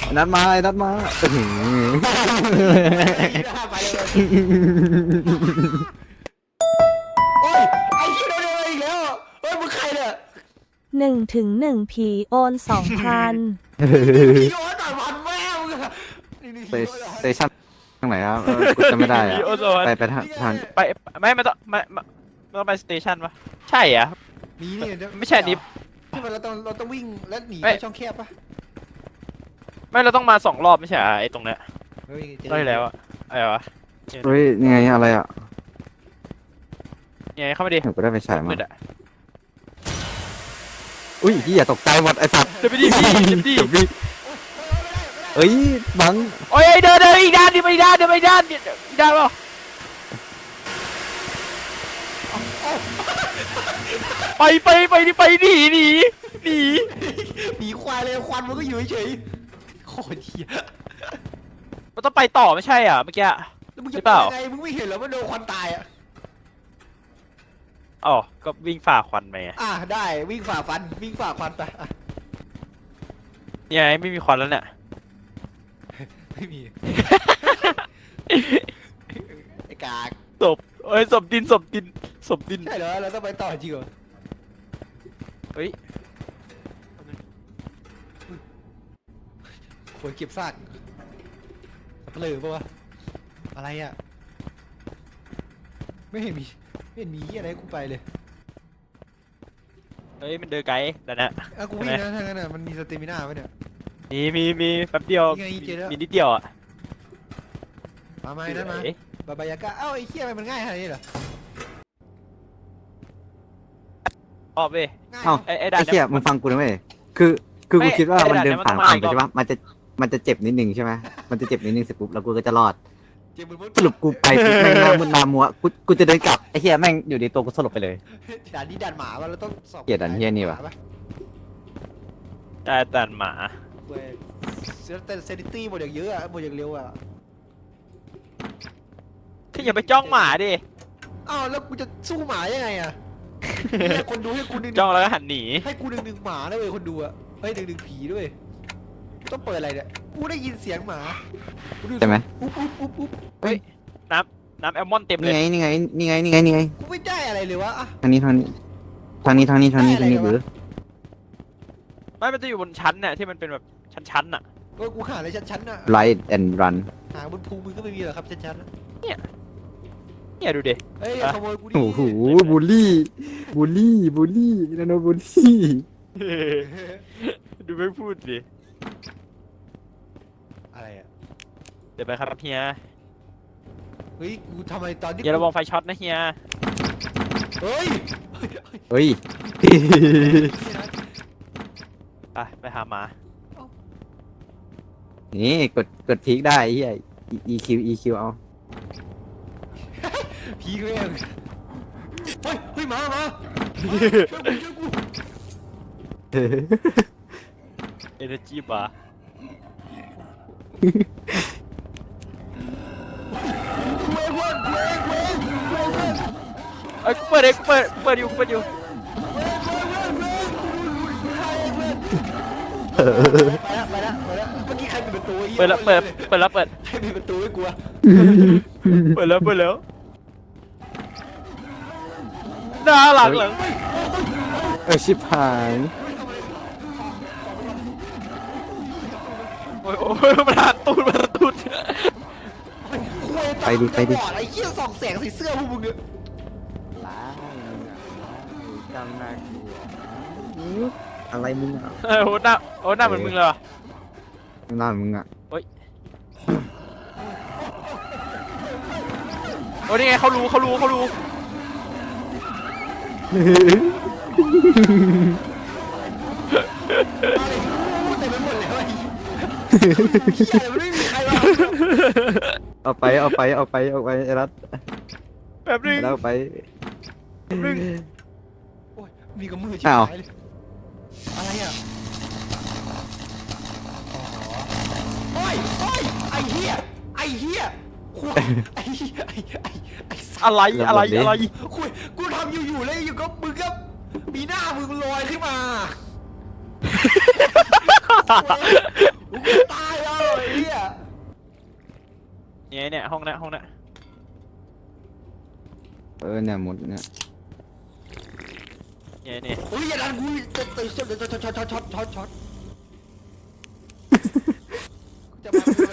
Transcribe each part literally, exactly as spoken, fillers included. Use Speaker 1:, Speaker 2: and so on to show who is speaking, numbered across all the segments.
Speaker 1: นัดมาไอ้นัดมาอื้อหือ
Speaker 2: ไปเลยโอ้ยไอ้เหี้ยโดนอะไรอีกแล้วเฮ้ยมึงใครเนี่ย
Speaker 3: หนึ่งถึงหนึ่งผีโอนสองพัน
Speaker 2: พี่โอ๊ตต่อยพันแม่มึงอะนี่นี่
Speaker 1: สเตชันทางไหนครับเออกูจำไม่ได้อะ
Speaker 4: โอโซน
Speaker 1: ไปไปทางทาง
Speaker 4: ไปไม่ไม่ต้องไม่ไม่ไม่ต้องไปสเตชันปะใช่อ่ะ
Speaker 2: มีนี่เดี๋ยว
Speaker 4: ไม่ใช่อันนี้
Speaker 2: ที่มันเราต้องเราต้องวิ่งแล้วหนี
Speaker 4: ไม่
Speaker 2: ไปช่องแคบปะ
Speaker 4: ไม่เราต้องมาสองรอบไม่ใช่เหรอไอ้ตรงเนี้ย
Speaker 2: เฮ้ยเจอ
Speaker 4: ได้แล้วอะอะไรวะ
Speaker 1: เฮ้ยนี่ไงอะไรอ่ะ
Speaker 4: ยังไงเข้ามาดิ
Speaker 1: หนูก็ได้ไปฉายมา
Speaker 4: มืดอะ
Speaker 1: อุ้ยพี่อย่าตกใจหมดไอ้สัตว์
Speaker 4: เดี๋ยวไปดิพี่เดี๋ยวดิ
Speaker 1: เดี๋ยวพี่เอ้ยบัง
Speaker 4: โอ้ยเดินเดินอีกด้านดิไปอีกด้านเดินไปอีกด้านอีกด้านเปล่าไปไปไปดิไปหนีหนีหนี
Speaker 2: หนีควายเลยควันมันก็อยู่เฉยๆโคตรเหี้ย
Speaker 4: มันต้องไปต่อไม่ใช่อ่ะเมื่อกี้
Speaker 2: แล้วมึง
Speaker 4: หรื
Speaker 2: จะ
Speaker 4: อ
Speaker 2: ไป
Speaker 4: เปล่า
Speaker 2: ยังไงมึงไม่เห็นเหรอว่าโดนควันตายอ่ะ
Speaker 4: อ๋อก็วิ่งฝ่าควันไปไง
Speaker 2: อ่ะได้วิ่งฝ่าฟันวิ่งฝ่าควันไปอ่ะ
Speaker 4: ยังไงไม่มีควันแล้วเนี่ย
Speaker 2: ไม่มีไอ้กาก
Speaker 4: ศพเอ้ยศพดินศพดินศพดิน
Speaker 2: ใช่เหรอเราต้องไปต่อจริงเหรอ
Speaker 4: เฮ้ย
Speaker 2: ควรเก็บซากสับเปลือปะวะอะไรอ่ะไม่เห็นมีไม่เห็นมีเหี้ยอะไรให้กูไปเลย
Speaker 4: เฮ้ยมันเดินไกลแต่นะ
Speaker 2: อ่ะกูวิ่งนะทางนั้นอ่ะมันมีสเตมิน่าไหมเนี่ย
Speaker 4: มีมีมีแป๊บเดียว
Speaker 2: นี่ไงเจอแล้ว
Speaker 4: มีนิดเดียวอ่ะ
Speaker 2: มาไหมนั่นมา
Speaker 4: เอ๊ะ
Speaker 2: บาบายากะเอ้าไอ้เหี้ยมันง่ายขนาดนี้เหรอ
Speaker 4: รอบเว้ย
Speaker 2: ง่าย
Speaker 1: เอ้า
Speaker 4: ไอ้ไอ้ด่า
Speaker 1: ไอ้
Speaker 4: น
Speaker 1: เหี้ย
Speaker 4: เนี่ย
Speaker 1: มึงฟังกูนะเว้ยคือคือกู
Speaker 4: ไม่
Speaker 1: คิดว่า
Speaker 4: ไอ้
Speaker 1: มัน
Speaker 4: ด่าน
Speaker 1: เดิน
Speaker 4: เนี่ย
Speaker 1: ผ่าน
Speaker 4: มันต้อง
Speaker 1: ผ่านไป
Speaker 4: มาอีก
Speaker 1: ใช่ปะมันจะมันจะเจ็บนิดนึงใช่ไหมมันจะเจ็บนิดนึงเสร็จปุ๊บแล้วกูก็จะรอด
Speaker 2: เจ็บมือมุด
Speaker 1: สรุปกูไปปุ๊บแม่งหน้ามึนหน้ามัวกูกูจะเดินกลับไอ้เหี้ยแม่งอยู่ดีตัวกูสลบไปเลย
Speaker 2: ด่านนี้ด่านหมาวะเราต้องสอบ
Speaker 1: เกลียดด่านเหี้ยนี่ว่ะ
Speaker 4: ได้ด่านหมา
Speaker 2: เว้ยเซนเซนิตี้หมดอย่างเยอะอะหมดอย่างเร็วอะ
Speaker 4: คืออย่าไปจ้องหมาดิ
Speaker 2: อ้าวแล้วกูจะสู้หมายังไงอะเนี่ยคนดูให้กูหนึ่ง
Speaker 4: จ้องแล้วก็หันหนี
Speaker 2: ให้กูหนึ่งหนึ่งหมาด้วยคนดูอะเฮ้ยหนึ่งหนึ่งผีด้วยต้องเปิดอะไรเนี่ยกูได้ยินเสียงหมากูดู
Speaker 1: ใช่ไหม
Speaker 2: อุ๊บอุ๊บอุ๊บอุ๊บ
Speaker 4: น้ำน้ำแอลมอนเต็มเล
Speaker 1: นี่
Speaker 4: ย
Speaker 1: ไงนี่ไงนี่ไงนี่ไงนี่ไง
Speaker 2: กูไม่ได้อะไรเลยวะอะ
Speaker 1: ทางนี้ทางนี้ทางนี้ทางนี้ทางนี้ทางนี้หรือ
Speaker 4: ไม่มันจะอยู่บนชั้นเนี่ยที่มันเป็นแบบชั้นๆน่ะ
Speaker 2: ก็กูหาอะไรชั้นๆน่ะ
Speaker 1: Light and Run
Speaker 2: หาบนภูมึงก็ไม่มีหรอกครับชั้นๆน่ะ
Speaker 4: เนี่ยดูดิ
Speaker 2: เฮ้ย
Speaker 4: อ่ะ
Speaker 2: ขโมยกูดิ
Speaker 1: โอ้โหบูลลี่บูลลี่บูลลี่นาโนบูลลี่
Speaker 4: ดูไม่พูดดิ
Speaker 2: อะไรอะ
Speaker 4: เดี๋ยวไปครับเฮีย
Speaker 2: เฮ้ยกูทำไมตอนที่
Speaker 4: อย่าระวังไฟช็อตนะเฮีย
Speaker 2: เฮ้ย
Speaker 1: เฮ้ย
Speaker 4: ไปไปหาหมา
Speaker 1: นี่กดกดพีคได้ไอ้เหี้ย EQ EQ เอา
Speaker 2: ผีกูเองเฮ้ยเฮ้ยมามาช่วยกูช่วยกู
Speaker 4: เอเนจีบาร์
Speaker 2: กูเองเว้ยกูเองกูเองกูเองเว้ย
Speaker 4: เอ้ยกูเปิดเองกูเปิดกูเปิดอยู่กูเปิดอยู่
Speaker 2: ไปละไปละไปละเมื่อกี้ใครปิดประตูไอ้หี้ย
Speaker 4: เปิดแล้วเปิดเปิดแล้วเปิด
Speaker 2: ใครปิดประตูให้กูอะ
Speaker 4: เปิดแล้วเปิดแล้วหน้าหลังหลัง
Speaker 1: เออชิบหาย
Speaker 4: โอ้ยโอ้ยมันหันตูดมันหันตูด
Speaker 1: ไปดิไปดิ
Speaker 2: บอดไอ้เหี้ยส่องแสงใส่เสื้อพวกมึงเนี่ย
Speaker 1: ล้าจำได้อะไรมึงอ่ะ
Speaker 4: เออโอ้หน้าโอ้หน้าเหมือนมึงเลยว่ะ
Speaker 1: หน้ามึงอ่ะ
Speaker 4: โอ้นี่ไงเขารู้เขารู้เขารู้
Speaker 2: เต็มไปหมดเลยไอ้เหี้ยมันไม่มีใครมา
Speaker 1: เอาไปเอาไปเอาไปเอาไปไอ้รัฐ
Speaker 4: แบบนึง
Speaker 1: แล้วไป
Speaker 4: แบบนึง
Speaker 2: โอ้ยมีกับมือชิบ
Speaker 1: อ้าว
Speaker 2: หายเลยอะไรอ่ะโอ้ยโอ้ยไอ้เหี้ยไอ้เหี้ยคุยไอ้เหี้ยไอ้ไอ้ไอ้สัส
Speaker 4: อะไรอะไรอะไร
Speaker 2: คุยกูทำอยู่อยู่เลยอยู่ก็มึงก็มีหน้ามึงลอยขึ้นมา กูจะตายวะ
Speaker 4: เนี่ยเนี่ยห้องเนี้ยห้องเนี้ย
Speaker 1: เออเนี่ยหมดเนี่ย
Speaker 4: เนี่ยเนี่ย
Speaker 2: อุ้ยอย่าดันกูจะตื่นช็อตช็อตช็อตช็อตช็อตช็อตช็อตจะมากู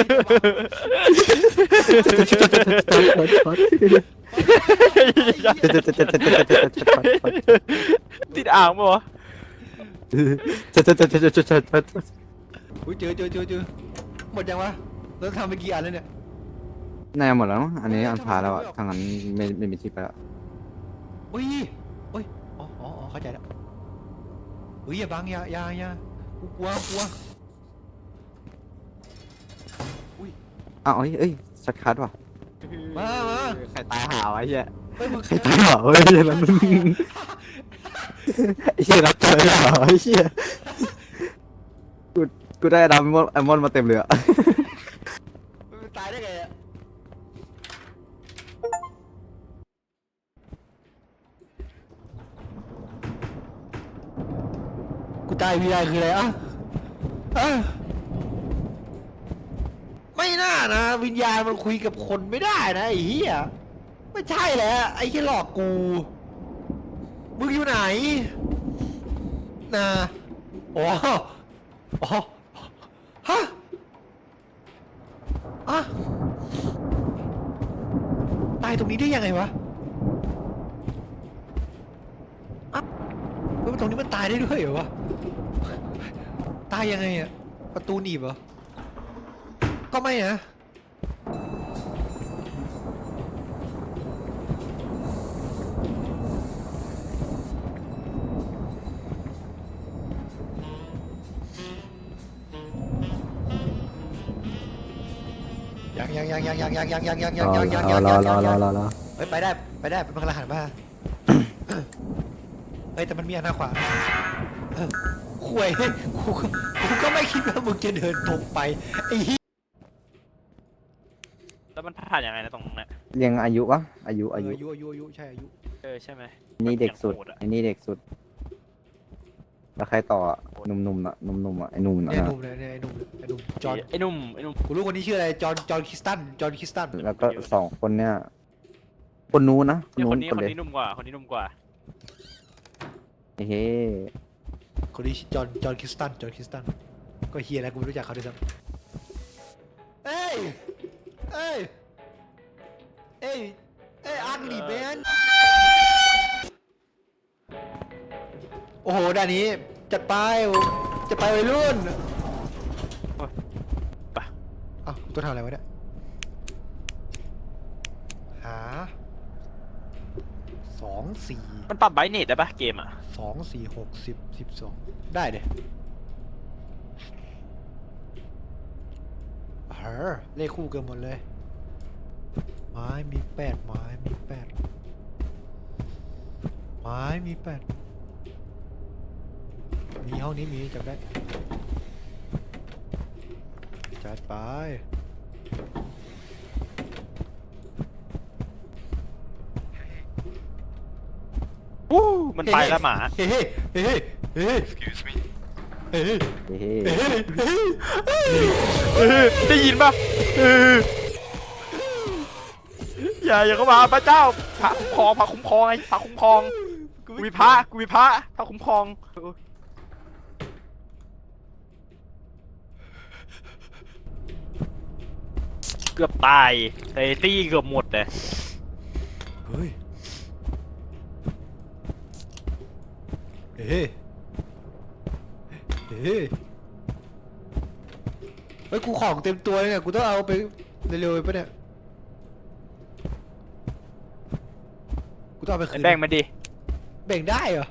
Speaker 4: ติดอ่างปะวะ
Speaker 2: อุ้ยเจอเจอเจอเจอหมดยังวะแล้วทำไปกี่อันแล้วเนี่ย
Speaker 1: น่าจะหมดแล้วมั้งอันนี้อันพาแล้วอะทางนั้นไม่ไม่มีที่ไปแล้ว
Speaker 2: อุ้ยอุ้ยอ๋ออ๋ออ๋อเข้าใจแล้วอุ้ยอย่าบังอย่าอย่าอย่ากูกลัวกลัว
Speaker 1: อ้าวเอ้ยเอ้ยชัดคัดว่ะ
Speaker 2: มามา
Speaker 1: ใครตายหาวะไอ้เหี้ย
Speaker 2: เฮ้ยมึง
Speaker 1: ใครตายหาวะไอ้เหี้ยแล้วมึงไอ้เหี้ยรับเจอเหรอไอ้เหี้ยกูกูได้ดำมอนไอมอนมาเต็มเลยอะ
Speaker 2: มึงตายได้ไงอะกูตายวีไอคืออะไรอ่ะอ่ะไม่น่านะวิญญาณมันคุยกับคนไม่ได้นะไอ้เหี้ยไม่ใช่แหละไอ้ที่หลอกกูมึงอยู่ไหนนะอ๋ออ๋อฮะอะตายตรงนี้ได้ยังไงวะอะเฮ้ยตรงนี้มันตายได้ด้วยเหรอวะตายยังไงอะประตูหนีบเหรอก็ไม่นะยังยังยังยังยังยังยังยังยังยังยังยังยัง
Speaker 1: รอ
Speaker 2: ยัง
Speaker 1: รอรอ
Speaker 2: ยัง
Speaker 1: รอรอ
Speaker 2: เฮ้ยไปได้ไปได้เป็นพลังหันมาเฮ้ยแต่มันมีอันหน้าขวาเออข่วยกูก็กูก็ไม่คิดว่ามึงจะเดินตรงไปไอ้เหี้ย
Speaker 4: แล้วมันผ่านยังไงนะตรงนั้น
Speaker 1: เรียงอายุวะอายุอายุ
Speaker 2: อายุอายุอายุใช่อายุ
Speaker 4: เออใช่ไหม
Speaker 1: นี่เด็กสุด
Speaker 4: อย่างโหอะ
Speaker 1: ไอ้นี่เด็กสุดแล้วใครต่ออะหนุ่มๆอ่ะหนุ่มๆอ่ะไอ้หนุ่ม
Speaker 2: เนี่ย
Speaker 1: นะ
Speaker 2: หนุ่มเนี่ยเนี่ยไอ้หนุ่มไอ้หนุ่มจอห์น
Speaker 4: ไอ้หนุ่มไอ้หนุ่ม
Speaker 2: กูรู้คนนี้ชื่ออะไรจอห์นจอห์นคริสตันจอห์นคริสตัน
Speaker 1: แล้วก็สองคนเนี่ยคนนู้นนะคน
Speaker 4: เนี่ย
Speaker 1: นู้
Speaker 4: คน นนี้
Speaker 1: คน
Speaker 4: คน
Speaker 1: เลย
Speaker 4: นี้หนุ่มกว่าคนนี้หนุ่มกว่า
Speaker 1: เฮ้
Speaker 2: คนนี้ชื่อจอห์นจอห์นคริสตันจอห์นคริสตันก็เฮียแล้วกูไม่รู้จักเขาด้วยซ้ำเอ้ยเอ้ยเอ้ยเอ้ยอังลีแมนโอ้โหด้านนี้จัดไปจะไปวัยรุ่น
Speaker 4: ไป
Speaker 2: อ้าวตัวทำอะไรวะเนี่ยหาสองสี่
Speaker 4: มันปรับไบรท์เนตได้ปะเกมอ่ะ
Speaker 2: สองสี่หกสิบสิบสองได้เด้เฮ้อเลขคู่เกินหมดเลยไม้มีแปดไม้มีแปดไม้มีแปดมีห้องนี้มีจำได้จัดไป
Speaker 4: อู้มันไปแล้วหมา
Speaker 2: เฮ้เฮ้เฮ้เฮ้เฮ้
Speaker 5: Excuse me.
Speaker 2: เฮ้เฮ้
Speaker 1: เฮ้
Speaker 2: เฮ้เฮ้
Speaker 4: เออได้ยินปะเอออย่าอย่าเข้ามาพระเจ้าพระคุ้มครองพระคุ้มครองไอ้พระคุ้มครองกูมีพระกูมีพระพระคุ้มครองเกือบตายไอ้ตี้เกือบหมดเลย
Speaker 2: เฮ้ยเฮ้เฮ้เฮ้ยกูของเต็มตัวเลยเนี่ยกูต้องเอาไปเร็วๆไปปะเนี่ยกูต้องเอาไปคืน
Speaker 4: แบ่งมาดิ
Speaker 2: แบ่งได้เหรอ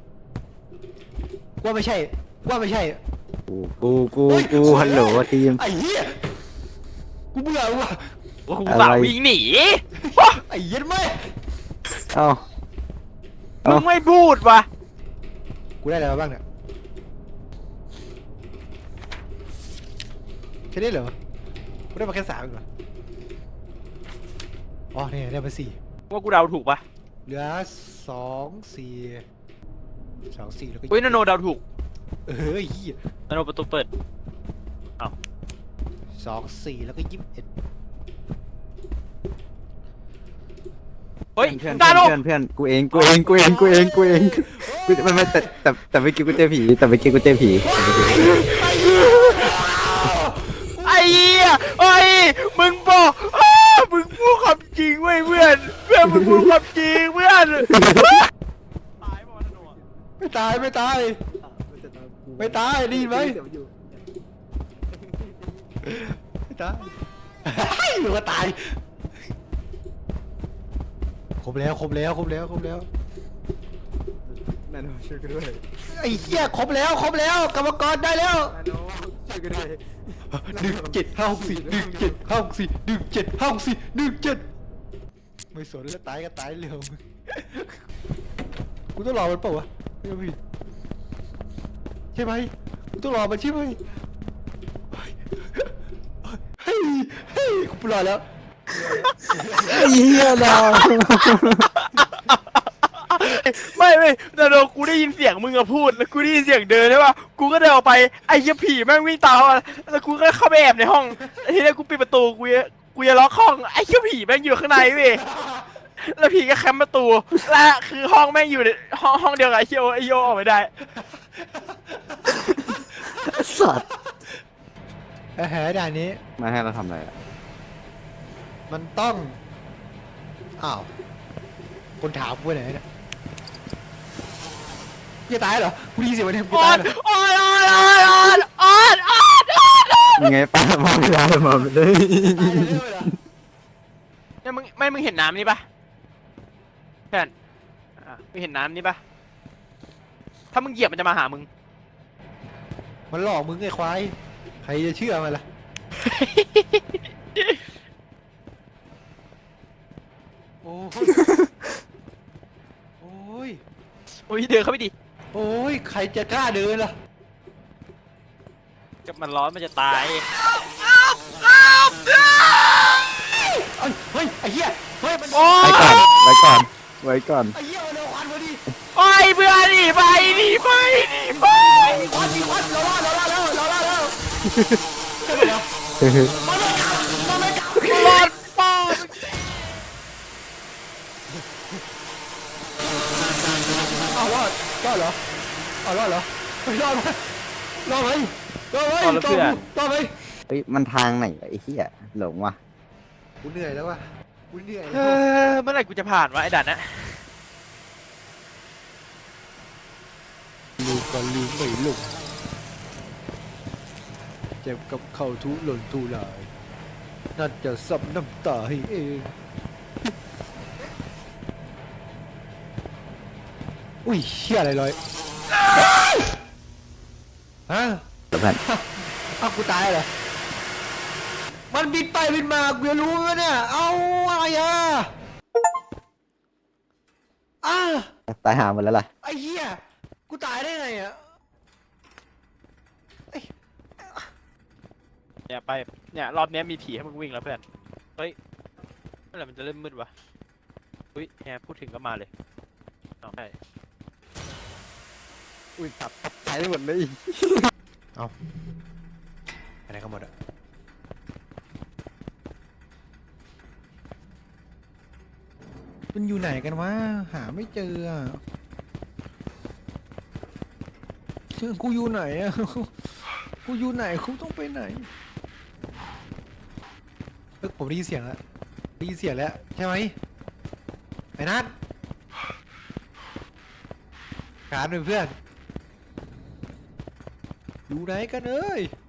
Speaker 2: ว่าไม่ใช่ว่าไม่ใช่
Speaker 1: กูกูกูกูฮัลโหลทีม
Speaker 2: ไอ้เหี้ยกูเบื่อว่ะ
Speaker 4: ว่ากูสาววิ่งหนี
Speaker 2: ไอ้เหี้ยไม่
Speaker 1: เอ้า
Speaker 4: มึงไม่พูดวะ
Speaker 2: กูได้อะไรมาบ้างเนี่ยแค่นี้เหรอกูได้มาแค่สามเองเหรออ๋อนี่ได้มาสี่
Speaker 4: ว่ากูเดาถูกปะ
Speaker 2: เหลือสองสี่สองสี่แล้วก็
Speaker 4: อุ้ยนาโนเดาถูก
Speaker 2: เออเหี้ย
Speaker 4: นาโนประตูเปิด
Speaker 2: สองสี่แล้วก็ยี่สิบเอ็ด
Speaker 4: เฮ้ย
Speaker 1: เพื่อน
Speaker 4: ดา
Speaker 1: เพื่อน
Speaker 4: โน
Speaker 1: เพื่อนเพื่อนกูเองกูเองกูเองกูเองกูเองกูไม่ไม่แต่แต่แต่ไม่อกี้กูเจอผีแต่ไม่อกี้กูเจอผีแต่เมื่อกี้กูเจอผี
Speaker 4: ไอ้เหี้ยเฮ้ยมึงบอกอ้ามึงพูดความจริงเว้ยเพื่อนเพื่อนมึงพูดความจริงเพื่อนตายบ่ธนูอะ
Speaker 2: ไม่ตายไม่ตาย ไม่ตายได้ยินไหมไม่ตายหรือว่าตายครบแล้วครบแล้วครบแล้วครบแล้ว
Speaker 1: นาโนช่วยกูด้วย
Speaker 2: ไอ้เหี้ยครบแล้วครบแล้วกรรมกรได้แล้ว
Speaker 1: นาโนช่วยกูด้วย
Speaker 2: หนึ่งเจ็ดห้าหกสี่หนึ่งเจ็ดห้าหกสี่หนึ่งเจ็ดห้าหกสี่หนึ่งเจ็ดไม่สนแล้วตายก็ตายเร็วมึงกูต้องรอมันเปล่าวะไม่ผิดใช่ไหมกูต้องรอมันใช่ไหมเฮ้ยเฮ้ยกูรอแล้ว
Speaker 1: เฮียเรา
Speaker 4: ไม่ไม่นาโนกูได้ยินเสียงมึงอะพูดแล้วกูได้ยินเสียงเดินใช่ป่ะกูก็เดินออกไปไอ้เหี้ยผีแม่งวิ่งตามมาแล้วกูก็เข้าไปแอบในห้องทีนี้กูปิดประตูกูจะกูจะล็อกห้องไอ้เหี้ยผีแม่งอยู่ข้างในเว้ยแล้วผีก็แคมประตูและคือห้องแม่งอยู่ในห้องห้องเดียวกับไอ้เหี้ยโอไอ้โยออกไม่ได้
Speaker 1: สัตว์
Speaker 2: แหมด่านนี้
Speaker 1: มาให้เราทำอะไรอ่ะ
Speaker 2: มันต้องอ้าวคนถามกูไปไหนเนี่ยจะตายเหรอกูได้ยินเสียงมันเนี่ยกู
Speaker 4: ออ
Speaker 2: ตาย
Speaker 4: น
Speaker 2: เหรอ
Speaker 4: ออนออนออนออนออนออนออน
Speaker 1: ยังไงป้ามาไม่ได้มาไม่ได้
Speaker 4: เนี่ยมึงไม่มึงเห็นน้ำนี่ปะเพื่อนอ่ะมึงเห็นน้ำนี่ปะถ้ามึงเหยียบมันจะมาหามึง
Speaker 2: มันหลอกมึงไอ้ควายใครจะเชื่อมันล่ะโอ้ยโอ้ย
Speaker 4: โอ้ยเดินเข้าไปดิ
Speaker 2: โอ้ยใครจะกล้าเดินล่ะ
Speaker 4: กับมันร้อนมันจะตาย
Speaker 2: เอ้ยเฮ้ยไอ้เหี้ยเฮ้ยมัน
Speaker 4: โอ้
Speaker 1: ไว้
Speaker 4: ย
Speaker 1: ก่อนไว้ก่อนไว้ก่อน
Speaker 2: ไอ้เหี้ยมันเอาควันมาดิ
Speaker 4: ไปเพื่อนหนีไปหนีไปหนีไป
Speaker 2: มีควันมีควันเราล่าเราล่าแล้วเราล่าแล้วใช่ไหมครับ
Speaker 4: รอดป้า
Speaker 2: อ้าวรอดรอดเหรออ้าวรอดเหรอไม่รอดไหมรอดไหมรอดไหมรอดไหมรอดไหม
Speaker 1: เฮ้ยมันทางไหนวะไอ้เหี้ยหลงว่ะ
Speaker 2: กูเหนื่อยแล้วว่ะกูเหนื่อย
Speaker 4: เออเมื่อไหร่กูจะผ่านวะไอ้ด่านนะ
Speaker 2: ลูกก็ลืมไม่ลงเจ็บกับเข่าทุหล่นทุลายน่าจะซับน้ำตาให้เองอุ้ยเชี่ยอะไรลอยฮะ
Speaker 1: เพื่อน
Speaker 2: อ้าวกูตายเหรอมันบินไปบินมากูจะรู้ไหมเนี่ยเอาอะไรอ่ะอ้า
Speaker 1: ตายหาหมดแล้วล่ะ
Speaker 2: ไอ้เหี้ยกูตายได้ไงอ่ะ
Speaker 4: เนี่ยไปเนี่ยรอบเนี้ยมีผีให้มึงวิ่งแล้วเพื่อนเฮ้ยเมื่อไหร่มันจะเริ่มมืดวะอุ้ยแฮพูดถึงก็มาเลยเอาใช่
Speaker 1: อุ้ยตับตายได้หมดเลย
Speaker 2: ไปไหนกันหมดอ่ะมันอยู่ไหนกันวะหาไม่เจออ่ะกูอยู่ไหนอ่ะกูอยู่ไหนกูต้องไปไหนเฮ้ยผมได้ยินเสียงแล้วได้ยินเสียงแล้วใช่ไหมไอ้นัทการเป็นเพื่อนอยู่ไหนกันเอ้ย